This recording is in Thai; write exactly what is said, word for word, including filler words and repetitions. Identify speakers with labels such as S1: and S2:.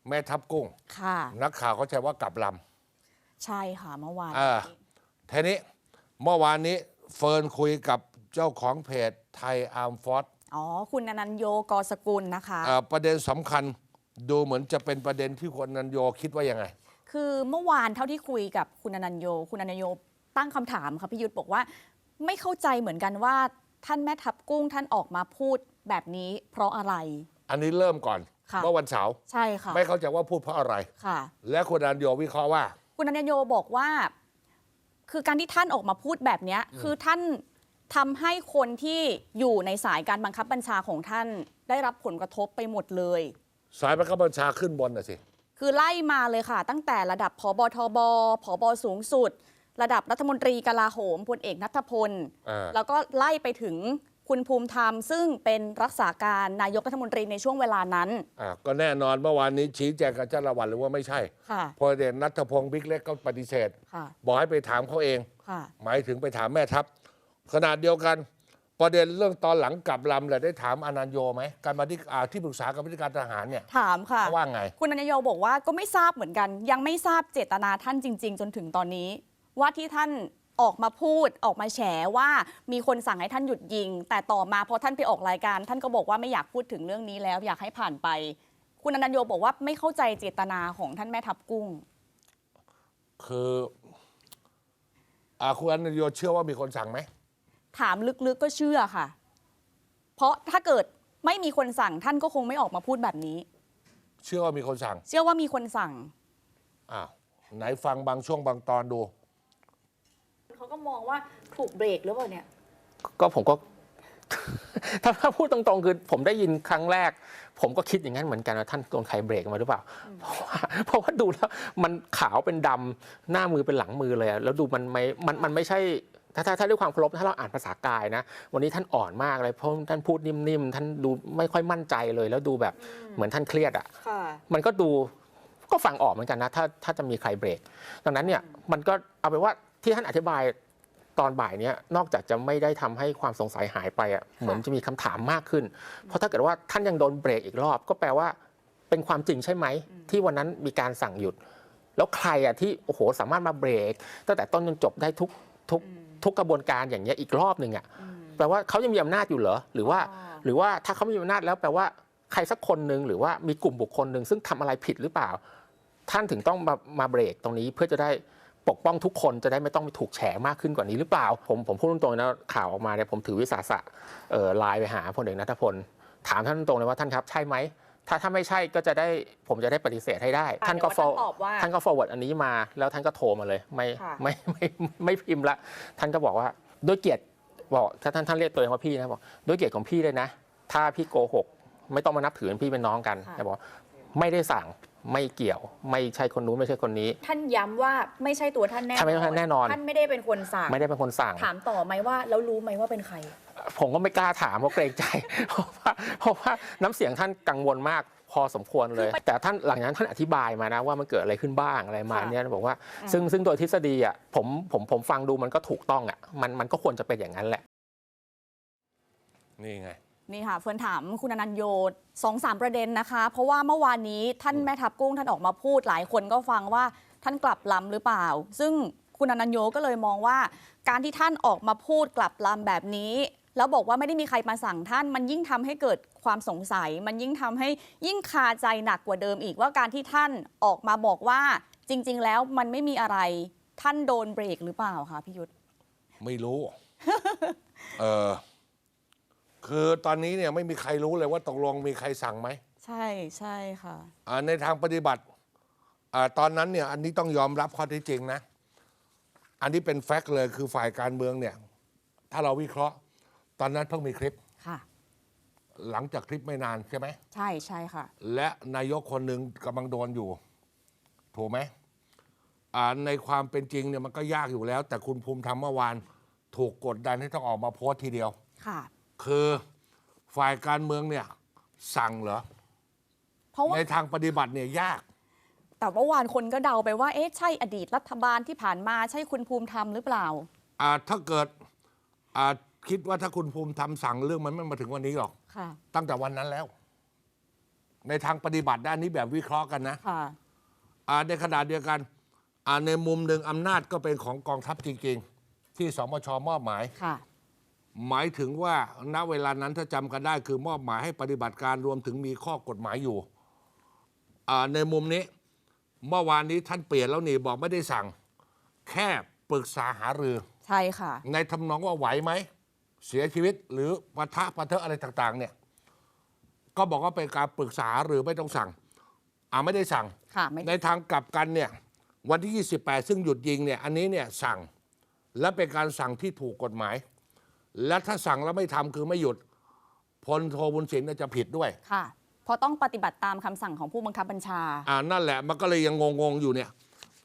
S1: แม่ทัพกุ้ง
S2: ค่ะ
S1: นักข่าวเขาใช้ว่ากลับล
S2: ำใช่ค่ะเมื่อวาน
S1: ทีนี้เมื่อวานนี้เฟิร์นคุยกับเจ้าของเพจไทยอาร์มฟอร์ส
S2: อ๋อคุณอนันโยกสกุลนะคะ
S1: ประเด็นสำคัญดูเหมือนจะเป็นประเด็นที่คุณอนันโยคิดว่ายังไง
S2: คือเมื่อวานเท่าที่คุยกับคุณอนันโยคุณอนันโยตั้งคำถามค่ะพี่ยุทธบอกว่าไม่เข้าใจเหมือนกันว่าท่านแม่ทัพกุ้งท่านออกมาพูดแบบนี้เพราะอะไร
S1: อันนี้เริ่มก่อนเมื่อวันเสาร์
S2: ใช่ค่ะ
S1: ไม่เข้าใจว่าพูดเพราะอะไร
S2: ค่ะ
S1: และคุณอนันโยวิเคราะห์ว่า
S2: คุณอนันโยบอกว่าคือการที่ท่านออกมาพูดแบบนี้คือท่านทำให้คนที่อยู่ในสายการบังคับบัญชาของท่านได้รับผลกระทบไปหมดเลย
S1: สายบังคับบัญชาขึ้นบนน่ะสิ
S2: คือไล่มาเลยค่ะตั้งแต่ระดับผบทบผบสูงสุดระดับรัฐมนตรีกลาโหมพลเอกณัฐพลแล้วก็ไล่ไปถึงคุณภูมิธรรมซึ่งเป็นรักษาการนายกรัฐมนตรีในช่วงเวลานั้น
S1: อ่าก็แน่นอนเมื่อวานนี้ชี้แจงกับเจ้าละวันหรือว่าไม่ใช่พลเอกณัฐพงศ์บิ๊กเล็กก็ปฏิเสธบอกให้ไปถามเขาเองหมายถึงไปถามแม่ทัพขนาดเดียวกันประเด็นเรื่องตอนหลังกลับลำเลยได้ถามอนันโยไหมการมาที่ที่ปรึกษาการบริการทหารเนี่ย
S2: ถามค่ะ
S1: ว่าไง
S2: คุณอนันโยบอกว่าก็ไม่ทราบเหมือนกันยังไม่ทราบเจตนาท่านจริงๆจนถึงตอนนี้ว่าที่ท่านออกมาพูดออกมาแฉว่ามีคนสั่งให้ท่านหยุดยิงแต่ต่อมาพอท่านไปออกรายการท่านก็บอกว่าไม่อยากพูดถึงเรื่องนี้แล้วอยากให้ผ่านไปคุณอนันโยบอกว่าไม่เข้าใจเจตนาของท่านแม่ทัพกุ้ง
S1: คืออ่าคุณอนันโยเชื่อว่ามีคนสั่งไหม
S2: ถามลึกๆก็เชื่อค่ะเพราะถ้าเกิดไม่มีคนสั่งท่านก็คงไม่ออกมาพูดแบบนี้
S1: เชื่อว่ามีคนสั่ง
S2: เชื่อว่ามีคนสั่ง
S1: อ้าวไหนฟังบางช่วงบางตอนดู
S2: เขาก็มองว่าถูกเบรกหรือเปล่าเนี่ย
S3: ก็ผมก็ถ้าถ้าพูดตรงๆคือผมได้ยินครั้งแรกผมก็คิดอย่างนั้นเหมือนกันว่าท่านโดนใครเบรกมาหรือเปล่าเพราะว่าเพราะว่าดูแล้วมันขาวเป็นดำหน้ามือเป็นหลังมือเลยแล้วดูมันไม่มันมันไม่ใช่ถ้าถ้าถ้าด้วยความเคารพถ้าเราอ่านภาษากายนะวันนี้ท่านอ่อนมากเลยเพราะท่านพูดนิ่มๆท่านดูไม่ค่อยมั่นใจเลยแล้วดูแบบเหมือนท่านเครียดอ่ะมันก็ดูก็ฟังออกเหมือนกันนะถ้าถ้าจะมีใครเบรกดังนั้นเนี่ยมันก็เอาไปว่าที่ท่านอธิบายตอนบ่ายนี้นอกจากจะไม่ได้ทำให้ความสงสัยหายไปอ่ะเหมือนจะมีคำถามมากขึ้นเพราะถ้าเกิดว่าท่านยังโดนเบรกอีกรอบก็แปลว่าเป็นความจริงใช่ไหมที่วันนั้นมีการสั่งหยุดแล้วใครอ่ะที่โอ้โหสามารถมาเบรกตั้งแต่ต้นจนจบได้ทุกทุกทุกกระบวนการอย่างเงี้ยอีกรอบหนึ่งอ่ะแปลว่าเขายังมีอำนาจอยู่เหรอหรือว่าหรือว่าถ้าเขาไม่มีอำนาจแล้วแปลว่าใครสักคนหนึ่งหรือว่ามีกลุ่มบุคคลหนึ่งซึ่งทำอะไรผิดหรือเปล่าท่านถึงต้องมามาเบรกตรงนี้เพื่อจะได้ปกป้องทุกคนจะได้ไม่ต้องถูกแฉมากขึ้นกว่านี้หรือเปล่าผมผมพูดตรงๆนะข่าวออกมาเนี่ยผมถือวิสาสะไลน์ไปหาพลเอกณัฐพลถามท่านตรงเลยว่าท่านครับใช่ไหมถ้าถ้าไม่ใช่ก็จะได้ผมจะได้ปฏิเสธให้ได้ท่านก็ฟอร์ท่านก็ forward อันนี้มาแล้วท่านก็โทรมาเลยไม่ไม่ไม่ไม่พิมพ์ละท่านก็บอกว่าด้วยเกียรติบอกถ้าท่านท่านเรียกตัวเองว่าพี่นะบอกด้วยเกียรติของพี่เลยนะถ้าพี่โกหกไม่ต้องมานับถือพี่เป็นน้องกันแต่บอกไม่ได้สั่งไม่เกี่ยวไม่ใช่คนนู้นไม่ใช่คนนี้
S2: ท่านย้ำว่าไม่ใช่ตัวท่านแน่นอนท่านไม่ใช่แน่นอนท่านไม่ได้เป็นคนสั่ง
S3: ไม่ได้เป็นคนสั่ง
S2: ถามต่อไหมว่าแล้วรู้ไหมว่าเป็นใคร
S3: ผมก็ไม่กล้าถามเพราะเกรงใจเพราะว่าเพราะว่าน้ำเสียงท่านกังวลมากพอสมควรเลยแต่ท่านหลังจากนั้นท่านอธิบายมานะว่ามันเกิดอะไรขึ้นบ้างอะไรมาเนี่ยบอกว่าซึ่งซึ่งโดยทฤษฎีอ่ะผมผมผมฟังดูมันก็ถูกต้องอ่ะมันมันก็ควรจะเป็นอย่างนั้นแหละ
S1: นี่ไง
S2: นี่ค่ะเฟิร์นถามคุณอนันโยสองสามประเด็นนะคะเพราะว่าเมื่อวานนี้ท่านแม่ทัพกุ้งท่านออกมาพูดหลายคนก็ฟังว่าท่านกลับลำหรือเปล่าซึ่งคุณอนันโยก็เลยมองว่าการที่ท่านออกมาพูดกลับลำแบบนี้แล้วบอกว่าไม่ได้มีใครมาสั่งท่านมันยิ่งทำให้เกิดความสงสัยมันยิ่งทำให้ยิ่งคาใจหนักกว่าเดิมอีกว่าการที่ท่านออกมาบอกว่าจริงๆแล้วมันไม่มีอะไรท่านโดนเบรกหรือเปล่าคะพี่ยุทธ
S1: ไม่รู้ เออคือตอนนี้เนี่ยไม่มีใครรู้เลยว่าตกลงมีใครสั่งไหม
S2: ใช่ใช่ค่ะ
S1: ในทางปฏิบัติตอนนั้นเนี่ยอันนี้ต้องยอมรับข้อเท็จจริงนะอันนี้เป็นแฟกต์เลยคือฝ่ายการเมืองเนี่ยถ้าเราวิเคราะห์ตอนนั้นเพิ่งมีคลิป
S2: ค่ะ
S1: หลังจากคลิปไม่นานใช่ไหม
S2: ใช่ใช่ค่ะ
S1: และนายกคนหนึ่งกำลังโดนอยู่ถูกไหมในความเป็นจริงเนี่ยมันก็ยากอยู่แล้วแต่คุณภูมิธรรมเมื่อวานถูกกดดันให้ต้องออกมาโพสต์ทีเดียว
S2: ค่ะ
S1: คือฝ่ายการเมืองเนี่ยสั่งเหรอเพราะว่าในทางปฏิบัติเนี่ยยาก
S2: แต่เมื่อวานคนก็เดาไปว่าเอ๊ะใช่อดีตรัฐบาลที่ผ่านมาใช่คุณภูมิธรรมหรือเปล่า
S1: อ่าถ้าเกิดอ่าคิดว่าถ้าคุณภูมิธรรมสั่งเรื่องมันไม่มาถึงวันนี้หรอก
S2: ค่ะ
S1: ตั้งแต่วันนั้นแล้วในทางปฏิบัติด้านนี้แบบวิเคราะห์กันนะ
S2: ค่ะ
S1: อ่าในขณะเดียวกันอ่าในมุมหนึ่งอำนาจก็เป็นของกองทัพจริงๆที่สมชมอบหมาย
S2: ค่ะ
S1: หมายถึงว่าณเวลานั้นถ้าจำกันได้คือมอบหมายให้ปฏิบัติการรวมถึงมีข้อกฎหมายอยู่อ่าในมุมนี้เมื่อวานนี้ท่านเปลี่ยนแล้วนี่บอกไม่ได้สั่งแค่ปรึกษาหารือ
S2: ใช่ค่ะ
S1: ในทำนองว่าไหวไหมเสียชีวิตหรือปะทะปะเทอะอะไรต่างๆเนี่ยก็บอกว่าเป็นการปรึกษาหรือไม่ต้องสั่งอ่าไม่ได้สั่ง
S2: ค่ะไม่
S1: ในทางกลับกันเนี่ยวันที่ยี่สิบแปดซึ่งหยุดยิงเนี่ยอันนี้เนี่ยสั่งและเป็นการสั่งที่ถูกกฎหมาย และถ้าสั่งแล้วไม่ทำคือไม่หยุดพลโทบุญสินจะผิดด้วย
S2: ค่ะ เพราะต้องปฏิบัติตามคำสั่งของผู้บังคับบัญชา
S1: อ่านั่นแหละมันก็เลยยังงงๆอยู่เนี่ย